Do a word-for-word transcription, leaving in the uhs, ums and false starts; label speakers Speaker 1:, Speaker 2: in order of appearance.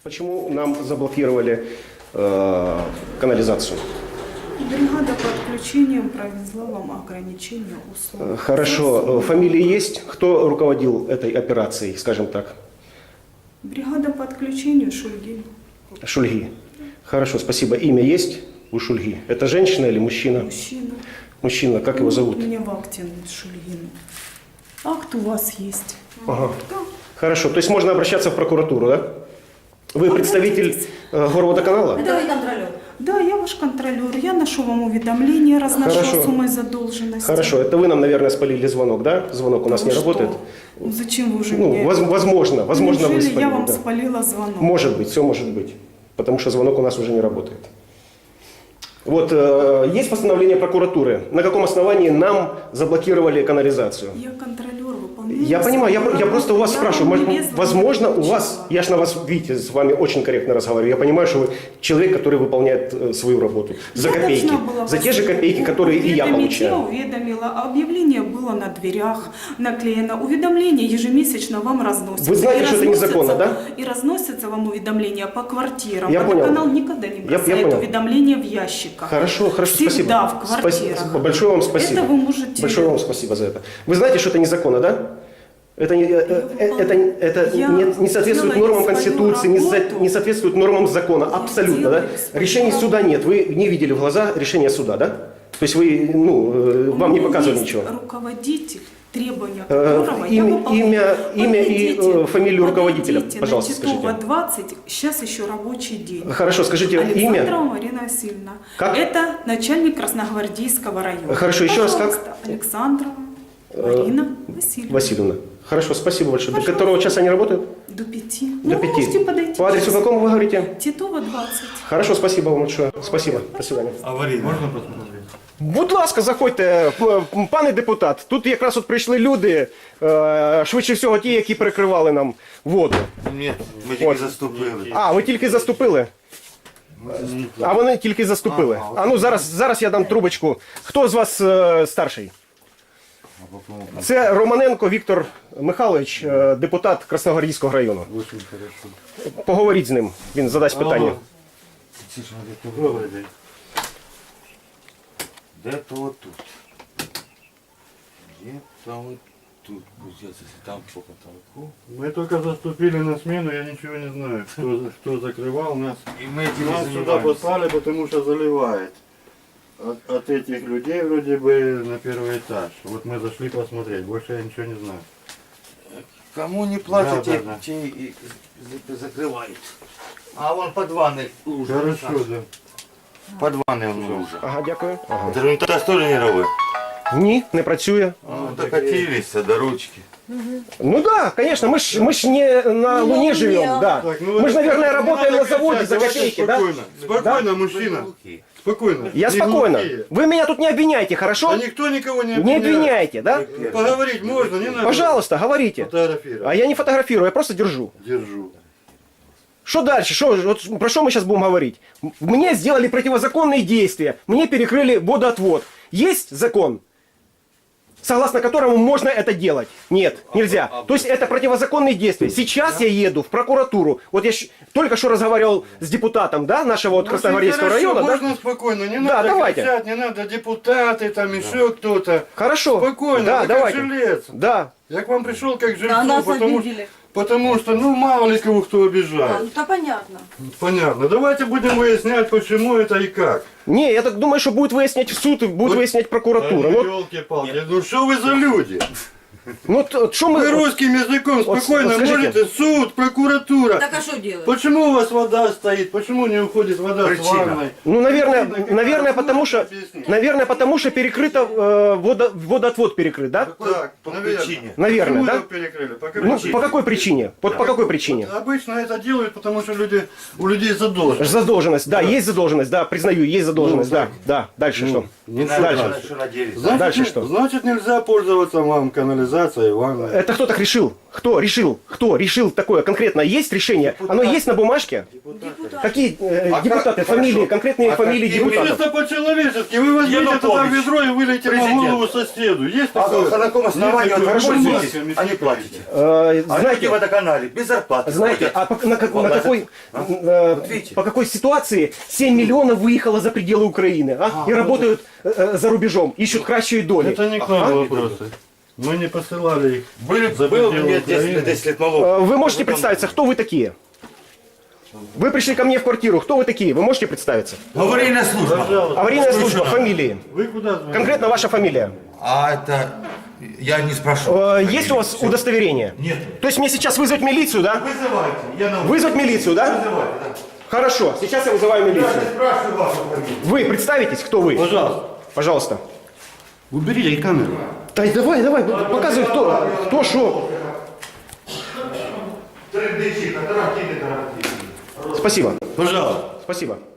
Speaker 1: Почему нам заблокировали э, канализацию?
Speaker 2: Бригада по отключениям провезла вам ограничение услуг.
Speaker 1: Хорошо. Фамилии есть? Кто руководил этой операцией, скажем так?
Speaker 2: Бригада по отключению Шульгин.
Speaker 1: Шульги. Хорошо, спасибо. Имя есть у Шульги? Это женщина или мужчина?
Speaker 2: Мужчина.
Speaker 1: Мужчина. Как его зовут?
Speaker 2: У меня Вахтин Шульгин. Акт у вас есть.
Speaker 1: Ага.
Speaker 2: Да.
Speaker 1: Хорошо. То есть можно обращаться в прокуратуру, да? Вы представитель э, горводоканала?
Speaker 3: Это вы контролер.
Speaker 2: Да, я ваш контролер. Я ношу вам уведомления, разношу
Speaker 1: Хорошо.
Speaker 2: о сумме задолженности.
Speaker 1: Хорошо. Это вы нам, наверное, спалили звонок, да? Звонок у нас
Speaker 2: Ну
Speaker 1: не
Speaker 2: что?
Speaker 1: работает?
Speaker 2: Ну, зачем вы уже
Speaker 1: Ну,
Speaker 2: мне...
Speaker 1: воз- возможно. Возможно, вы
Speaker 2: Неужели
Speaker 1: спалили.
Speaker 2: я вам
Speaker 1: да.
Speaker 2: спалила звонок?
Speaker 1: Может быть, все может быть. Потому что звонок у нас уже не работает. Вот, э, есть постановление прокуратуры, на каком основании нам заблокировали канализацию.
Speaker 2: Я контролер, выполняю.
Speaker 1: Я понимаю, я, я просто у вас
Speaker 2: Я
Speaker 1: спрашиваю,
Speaker 2: вам
Speaker 1: может,
Speaker 2: лезла,
Speaker 1: возможно,
Speaker 2: не
Speaker 1: у вас,
Speaker 2: получила.
Speaker 1: я же на вас, видите, с вами очень корректно разговариваю, я понимаю, что вы человек, который выполняет э, свою работу за
Speaker 2: Я
Speaker 1: копейки,
Speaker 2: должна была
Speaker 1: за
Speaker 2: вас
Speaker 1: те же копейки, которые и я
Speaker 2: уведомить. Я
Speaker 1: получаю.
Speaker 2: уведомила. Объявление было на дверях наклеено. Уведомление ежемесячно вам разносится.
Speaker 1: Вы знаете,
Speaker 2: И
Speaker 1: что это
Speaker 2: разносится-
Speaker 1: незаконно, да?
Speaker 2: И разносятся вам уведомления по квартирам.
Speaker 1: Я понял.
Speaker 2: Водоканал никогда не
Speaker 1: Я- я
Speaker 2: бросает
Speaker 1: понял.
Speaker 2: уведомления в ящиках.
Speaker 1: Хорошо, хорошо,
Speaker 2: Всегда
Speaker 1: спасибо.
Speaker 2: в квартирах.
Speaker 1: Спасибо. Большое вам спасибо.
Speaker 2: Это вы можете...
Speaker 1: Большое вам спасибо за это. Вы знаете, что это незаконно, да? Это не, э, э, это, это
Speaker 2: Я
Speaker 1: не, не соответствует
Speaker 2: делаю
Speaker 1: нормам
Speaker 2: свою
Speaker 1: Конституции, не, за-
Speaker 2: работу.
Speaker 1: не соответствует нормам закона. Абсолютно, да?
Speaker 2: делаю свою
Speaker 1: Решений
Speaker 2: работу.
Speaker 1: суда нет. Вы не видели в глаза решения суда, да? То есть вы, ну, э,
Speaker 2: У
Speaker 1: вам не
Speaker 2: меня
Speaker 1: показывали
Speaker 2: есть
Speaker 1: ничего.
Speaker 2: Руководитель, требования
Speaker 1: Э,
Speaker 2: которого я
Speaker 1: имя-
Speaker 2: выполняю.
Speaker 1: имя- имя и,
Speaker 2: Подойдите,
Speaker 1: э, фамилию руководителя,
Speaker 2: подойдите
Speaker 1: пожалуйста,
Speaker 2: на Титова
Speaker 1: скажите.
Speaker 2: двадцать, сейчас еще рабочий день.
Speaker 1: Хорошо, скажите имя.
Speaker 2: Александрова Марина Васильевна.
Speaker 1: Как?
Speaker 2: Это начальник Красногвардейского района.
Speaker 1: Хорошо, еще раз как?
Speaker 2: Пожалуйста, Александрова Марина Васильевна.
Speaker 1: Васильевна. Хорошо, спасибо большое. До
Speaker 2: Пожалуйста.
Speaker 1: которого часа они работают?
Speaker 2: До пяти.
Speaker 1: До
Speaker 2: Ну,
Speaker 1: пяти.
Speaker 2: можете подойти.
Speaker 1: По адресу
Speaker 2: сейчас.
Speaker 1: какому вы говорите?
Speaker 2: Титова двадцать.
Speaker 1: Хорошо, спасибо вам большое. Спасибо. До свидания.
Speaker 4: Аварій можна посмотрети?
Speaker 1: Будь ласка, заходьте, п- пане депутат. Тут якраз от прийшли люди, е, швидше всього ті, які перекривали нам воду.
Speaker 4: Ні, ми тільки заступили.
Speaker 1: А, ви тільки заступили? А вони тільки заступили. А ну зараз, зараз я дам трубочку. Хто з вас е, старший? Це Романенко Віктор Михайлович, е, депутат Красногвардійського району.
Speaker 4: Очень хорошо.
Speaker 1: Поговоріть з ним, він задасть питання.
Speaker 4: Це ж надо добрий день. Де-то вот тут. Где-то вот тут. Пусть там по потолку.
Speaker 5: Мы только заступили на смену, я ничего не знаю, кто, кто закрывал нас.
Speaker 4: И мы этим
Speaker 5: Нас
Speaker 4: не
Speaker 5: сюда
Speaker 4: занимаемся.
Speaker 5: послали, потому что заливает. От, от этих людей вроде бы на первый этаж. Вот мы зашли посмотреть, больше я ничего не знаю.
Speaker 4: Кому не платят,
Speaker 5: Да,
Speaker 4: те,
Speaker 5: да, да.
Speaker 4: те и за- закрывают. А вон под ванной лужа.
Speaker 5: Хорошо, да.
Speaker 4: Под ванной он лужа.
Speaker 1: Ага, дякую. Ага.
Speaker 4: Это унитаз тоже не робив?
Speaker 1: Ні, не працює.
Speaker 4: Ну, докатились до ручки.
Speaker 1: Ну да, конечно, мы ж, мы ж не на Луне живем, да.
Speaker 5: Так, ну,
Speaker 1: Мы же, наверное,
Speaker 5: не
Speaker 1: работаем
Speaker 5: надо
Speaker 1: на заводе
Speaker 5: кричать,
Speaker 1: за
Speaker 5: давайте
Speaker 1: копейки, да?
Speaker 5: спокойно. Спокойно, мужчина. Спокойно.
Speaker 1: Я
Speaker 5: Не
Speaker 1: спокойно.
Speaker 5: глухие.
Speaker 1: Вы меня тут не обвиняйте, хорошо?
Speaker 5: Да никто никого не
Speaker 1: Не
Speaker 5: обвиняет.
Speaker 1: обвиняйте, да?
Speaker 5: Поговорить можно, не надо.
Speaker 1: Пожалуйста, говорите.
Speaker 5: Фотографировать.
Speaker 1: А я не фотографирую, я просто держу.
Speaker 5: Держу.
Speaker 1: Что дальше? Что, вот про что мы сейчас будем говорить? Мне сделали противозаконные действия, мне перекрыли водоотвод. Есть закон, согласно которому можно это делать? Нет, нельзя. То есть это противозаконные действия. Сейчас я еду в прокуратуру. Вот я щ- только что разговаривал с депутатом, да, нашего вот Красногвардейского
Speaker 5: Очень
Speaker 1: района,
Speaker 5: хорошо,
Speaker 1: да?
Speaker 5: можно спокойно, не
Speaker 1: Да,
Speaker 5: надо
Speaker 1: давайте.
Speaker 5: кричать, не надо депутаты, там еще кто-то.
Speaker 1: Хорошо.
Speaker 5: Спокойно,
Speaker 1: Да,
Speaker 5: вы
Speaker 1: давайте.
Speaker 5: как жилец.
Speaker 1: Да.
Speaker 5: Я к вам пришел как жильцу,
Speaker 3: Да, нас
Speaker 5: потому,
Speaker 3: обидели.
Speaker 5: потому что, ну, мало ли кого кто
Speaker 3: А,
Speaker 5: обижает.
Speaker 3: ну то понятно.
Speaker 5: Понятно. Давайте будем выяснять, почему это и как.
Speaker 1: Не, я так думаю, что будет выяснять в суд и будет
Speaker 5: Вот.
Speaker 1: выяснять прокуратура. Ну,
Speaker 5: Елки-палки, ну что вы за люди?
Speaker 1: ну что мы...
Speaker 5: Вы русским языком
Speaker 1: Вот,
Speaker 5: спокойно
Speaker 1: вот скажите.
Speaker 5: можете, суд, прокуратура.
Speaker 3: Так а что делать?
Speaker 5: Почему у вас вода стоит? Почему не уходит вода с
Speaker 4: Причина.
Speaker 5: ванной?
Speaker 1: Ну, наверное,
Speaker 5: Причина
Speaker 1: наверное,
Speaker 5: какая?
Speaker 1: потому что,
Speaker 5: Объясните.
Speaker 1: наверное, потому что перекрыто, э, водо, водоотвод перекрыт, да?
Speaker 5: Так,
Speaker 4: По
Speaker 5: наверное.
Speaker 4: причине.
Speaker 1: Наверное,
Speaker 5: Почему
Speaker 1: да?
Speaker 5: его перекрыли? По какой
Speaker 1: Ну,
Speaker 5: причине?
Speaker 1: по какой причине? Вот по какой причине?
Speaker 5: Обычно это делают, потому что люди, у людей задолженность.
Speaker 1: Задолженность, да, есть задолженность, да, признаю, есть задолженность,
Speaker 5: Ну,
Speaker 1: да,
Speaker 5: так.
Speaker 1: да. Дальше что?
Speaker 5: Не
Speaker 1: Дальше.
Speaker 5: надо.
Speaker 4: Что надеялись?
Speaker 5: Значит,
Speaker 1: Дальше
Speaker 5: не-
Speaker 1: что?
Speaker 5: Значит, нельзя пользоваться вам канализацией. организация Ивана.
Speaker 1: Это кто так решил? Кто решил? Кто решил такое конкретно? Есть решение? Оно есть на бумажке? Какие э,
Speaker 4: А
Speaker 1: депутаты,
Speaker 4: как-
Speaker 1: фамилии,
Speaker 4: хорошо.
Speaker 1: конкретные
Speaker 4: А
Speaker 1: фамилии
Speaker 4: какие
Speaker 1: депутатов?
Speaker 5: Чисто по-человечески. Вы возьмите туда
Speaker 4: Янукович,
Speaker 5: ведро и вылейте на
Speaker 4: президент.
Speaker 5: голову соседу. Есть
Speaker 4: А
Speaker 5: такое?
Speaker 4: на каком основании
Speaker 5: Есть
Speaker 4: вы
Speaker 5: такое?
Speaker 4: пользуетесь,
Speaker 5: Бумажками
Speaker 4: а не платите?
Speaker 1: Э,
Speaker 4: А люди в
Speaker 1: знаете,
Speaker 4: водоканале без зарплаты.
Speaker 1: знаете,
Speaker 4: ходят.
Speaker 1: а по, на, как- на
Speaker 4: Платят.
Speaker 1: какой,
Speaker 4: А?
Speaker 1: э,
Speaker 4: Вот видите?
Speaker 1: по какой ситуации семь миллионов выехало за пределы Украины, а? И работают э, э, за рубежом, ищут кращие доли.
Speaker 5: Это не к нам вопросы. Мы не посылали их.
Speaker 4: Были,
Speaker 5: за
Speaker 4: был
Speaker 5: пределы
Speaker 4: мне десять,
Speaker 5: Украины.
Speaker 4: десять лет моложе.
Speaker 1: Э, Вы можете представиться, кто вы такие? Вы пришли ко мне в квартиру, кто вы такие? Вы можете представиться?
Speaker 4: Аварийная служба.
Speaker 5: Пожалуйста.
Speaker 1: Аварийная служба, фамилии.
Speaker 5: Вы куда звоните?
Speaker 1: Конкретно ваша фамилия.
Speaker 4: А это... Я не спрошу.
Speaker 1: Э, Есть у вас удостоверение?
Speaker 4: Нет.
Speaker 1: То есть мне сейчас вызвать милицию, да?
Speaker 4: Вызывайте. Я на...
Speaker 1: Вызвать милицию, да?
Speaker 4: Вызывайте, да.
Speaker 1: Хорошо, сейчас я вызываю
Speaker 4: Я
Speaker 1: милицию.
Speaker 4: не спрашиваю вашу фамилию.
Speaker 1: Вы представитесь, кто вы?
Speaker 5: Пожалуйста.
Speaker 1: Пожалуйста.
Speaker 5: Уберите камеру.
Speaker 1: Да давай, давай, показывай, кто, кто, что. Спасибо,
Speaker 5: Пожалуйста.
Speaker 1: спасибо.